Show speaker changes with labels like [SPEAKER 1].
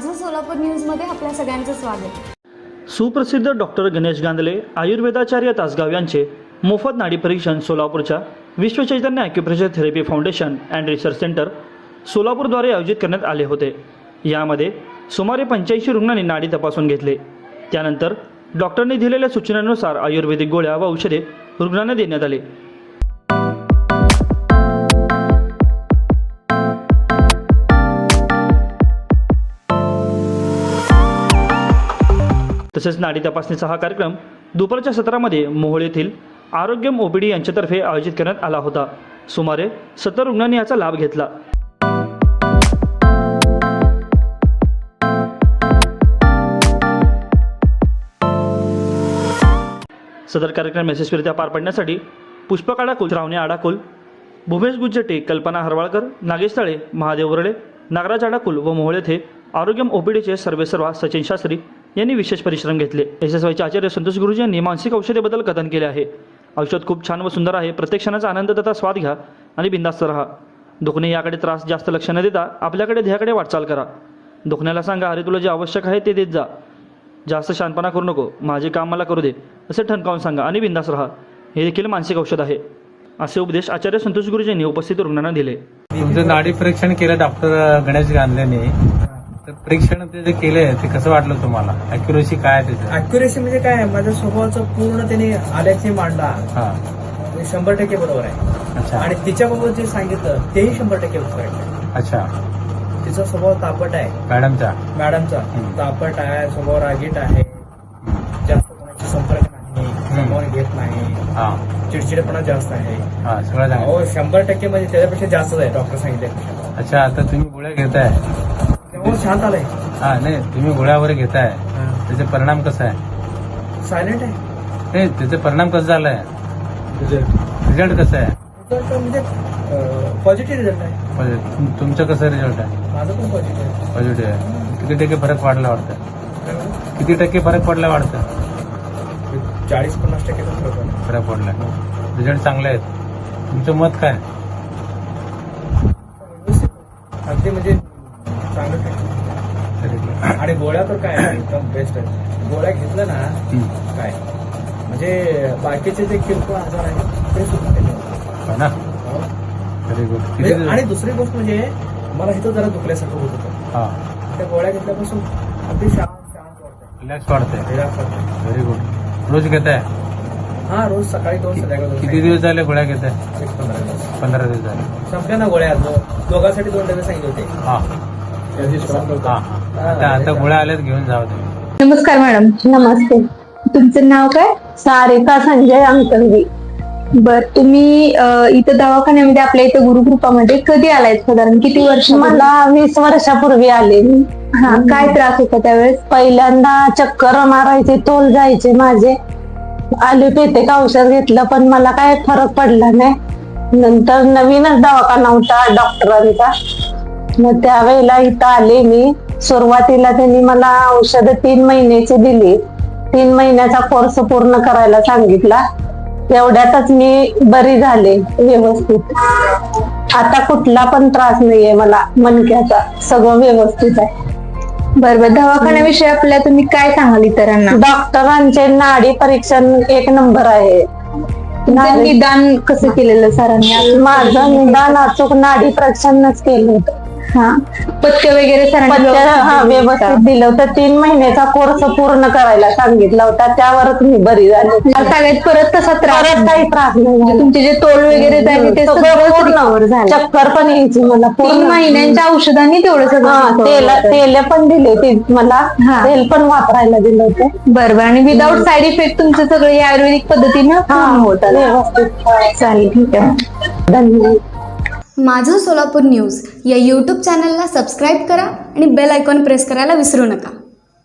[SPEAKER 1] माझं सोलापूर न्यूजमध्ये आपल्या सगळ्यांचं स्वागत।
[SPEAKER 2] सुप्रसिद्ध डॉक्टर गणेश गांधले आयुर्वेदाचार्य तासगाव यांचे मोफत नाडी परीक्षण सोलापूरच्या Vishwachaitanya acupressure therapy foundation and research centre सोलापूरद्वारे आयोजित करण्यात आले होते। यामध्ये सुमारे 85 रुग्णांनी नाडी तपासून घेतले। त्यानंतर डॉक्टरांनी दिलेल्या सूचनांनुसार आयुर्वेदिक गोळ्या व औषधे रुग्णांना देण्यात आले। तसेच नाडी तपासणीचा हा कार्यक्रम दुपारच्या सत्रामध्ये मोहोळ येथील आरोग्यम ओपीडी यांच्यातर्फे आयोजित करण्यात आला होता। सुमारे 70 रुग्णांनी याचा लाभ घेतला। सदर कार्यक्रम यशस्वीरित्या पार पाडण्यासाठी पुष्पक आडाकुल, श्रावणी आडाकुल, भूमेश गुज्जटे, कल्पना हरवाळकर, नागेश तळे, महादेव वरळे, नागराज आडाकुल व मोहोळ येथे आरोग्यम ओपीडीचे सर्वेसर्वा सचिन शास्त्री यांनी विशेष परिश्रम घेतले। SSYचे आचार्य संतोष गुरुजी यांनी मानसिक औषधेबद्दल कथन केले आहे। औषध खूप छान व सुंदर आहे। प्रत्येक क्षणाचा आनंद तथा स्वाद घ्या आणि बिंदास्त राहा। दुखणे याकडे त्रास जास्त लक्ष न देता आपल्याकडे ध्येयाकडे वाटचाल करा। दुखण्याला सांगा, अरे तुला जे आवश्यक आहे ते देत जा, जास्त शानपणा करू नको, माझे काम मला करू दे असे ठणकावून सांगा आणि बिंदास राहा। हे देखील मानसिक औषध आहे, असे उपदेश आचार्य संतोष गुरुजींनी उपस्थित रुग्णांना दिले।
[SPEAKER 3] तुमचं नाडी परीक्षण केलं डॉक्टर गणेश गांधलेने, तर परीक्षण ते जे केलंय ते कसं वाटलं तुम्हाला? अॅक्युरेसी काय आहे त्याचं?
[SPEAKER 4] अॅक्युरेसी म्हणजे काय, माझ्या स्वभावाचं पूर्ण त्याने आलेख मांडला,
[SPEAKER 3] हा,
[SPEAKER 4] 100% बरोबर आहे।
[SPEAKER 3] अच्छा,
[SPEAKER 4] आणि तिच्याबाबत जे सांगितलं तेही 100% बरोबर आहे।
[SPEAKER 3] अच्छा,
[SPEAKER 4] तिचा स्वभाव तापट आहे, मॅडमचा तापट आहे, स्वभाव रागीट आहे, जास्त कोणाशी संपर्क नाही, सामावून घेत नाही,
[SPEAKER 3] हा,
[SPEAKER 4] चिडचिडेपणा जास्त आहे,
[SPEAKER 3] हा, सगळं सांगा।
[SPEAKER 4] हो 100% म्हणजे त्याच्यापेक्षा जास्तच आहे डॉक्टर सांगितले।
[SPEAKER 3] अच्छा, आता तुम्ही गोळ्या घेताय,
[SPEAKER 4] तेव्हा शांत आलाय।
[SPEAKER 3] हा, नाही तुम्ही गोळ्या वगैरे घेताय, त्याचे परिणाम कसा आहे?
[SPEAKER 4] सायलेंट आहे।
[SPEAKER 3] नाही, त्याचे परिणाम कसं झालाय? रिझल्ट कसं आहे?
[SPEAKER 4] म्हणजे पॉझिटिव्ह रिझल्ट आहे।
[SPEAKER 3] तुमचं कसं रिझल्ट आहे?
[SPEAKER 4] माझं पण पॉझिटिव्ह आहे।
[SPEAKER 3] पॉझिटिव्ह आहे। किती टक्के फरक पडला वाटतं? किती टक्के फरक पडला वाटतं?
[SPEAKER 4] 40-50%
[SPEAKER 3] फरक पडला। रिझल्ट चांगले आहेत। तुमचं मत काय?
[SPEAKER 4] अगदी म्हणजे चांगलं आहे। आणि गोळ्या तर काय एकदम बेस्ट आहे। गोळ्या घेतल्या ना काय म्हणजे बाकीचे जे किरकोळ आजार आहेत ते सुद्धा
[SPEAKER 3] हो ना? Very good.
[SPEAKER 4] आणि दुसरी गोष्ट म्हणजे मला इथं जरा दुखल्यासारखं होत होतं,
[SPEAKER 3] हा,
[SPEAKER 4] त्या गोळ्या घेतल्यापासून अगदी शांत वाटतं,
[SPEAKER 3] रिलॅक्स वाटतंय।
[SPEAKER 4] रिलॅक्स वाटतं।
[SPEAKER 3] Very good. रोज घेताय?
[SPEAKER 4] हा, रोज सकाळी 2 संध्याकाळी 2।
[SPEAKER 3] किती दिवस झाले गोळ्या घेताय?
[SPEAKER 4] 15 दिवस
[SPEAKER 3] 15 दिवस झाले।
[SPEAKER 4] संपल्या ना गोळ्या, दोघांसाठी 2 डबे सांगितले होते।
[SPEAKER 3] हा, आता गोळ्या आल्यात, घेऊन जावं तुम्ही।
[SPEAKER 5] नमस्कार मॅडम। नमस्ते। तुमचं नाव काय? सारिका संजय अंकलगी। बर, तुम्ही इथं दवाखान्यामध्ये आपल्या इथं गुरुकृपामध्ये कधी आलाय? साधारण किती वर्ष?
[SPEAKER 6] मला 20 वर्षापूर्वी आले मी।
[SPEAKER 5] हा, काय त्रास होता त्यावेळेस?
[SPEAKER 6] पहिल्यांदा चक्कर मारायचे, तोल जायचे माझे, ॲलोपॅथिक औषध घेतलं पण मला काय फरक पडला नाही। नंतर नवीनच दवाखाना होता डॉक्टरांचा, मग त्यावेळेला इथं आले मी। सुरुवातीला त्यांनी मला औषध 3 महिन्याची दिली। 3 महिन्याचा कोर्स पूर्ण करायला सांगितला। एवढ्यातच मी बरी झाले व्यवस्थित। आता कुठला पण त्रास नाहीये मला मणक्याचा, सगळं व्यवस्थित आहे।
[SPEAKER 5] बरोबर, दवाखान्याविषयी आपल्या तुम्ही काय सांगाल इतरांना?
[SPEAKER 6] डॉक्टरांचे नाडी परीक्षण 1 नंबर आहे।
[SPEAKER 5] तुमचं निदान कसं केलेलं सरांनी?
[SPEAKER 6] माझं निदान अचूक नाडी परीक्षणच केलं होतं।
[SPEAKER 5] हा, पथ्य वगैरे सरांनी
[SPEAKER 6] व्यवस्थित दिलं होतं। 3 महिन्याचा कोर्स पूर्ण करायला सांगितला होता, त्यावरच मी बरी झाली।
[SPEAKER 5] सगळ्यात परत तसा त्रास
[SPEAKER 6] काही त्रास नाही।
[SPEAKER 5] तुमचे जे तोल वगैरे जायचे ते सगळं
[SPEAKER 6] पूर्ण झालं। चक्कर पण यायची मला।
[SPEAKER 5] 3 महिन्यांच्या औषधांनी तेवढं सगळं
[SPEAKER 6] तेल पण दिले ते मला, तेल पण वापरायला दिलं होतं।
[SPEAKER 5] बरोबर, आणि विदाऊट साईड इफेक्ट तुमचं सगळं या आयुर्वेदिक पद्धतीनं होत
[SPEAKER 6] व्यवस्थित।
[SPEAKER 5] चालेल, ठीक आहे,
[SPEAKER 6] धन्यवाद।
[SPEAKER 1] माझं सोलापूर न्यूज या यूट्यूब चॅनलला सबस्क्राईब करा आणि बेल आयकॉन प्रेस करायला विसरू नका।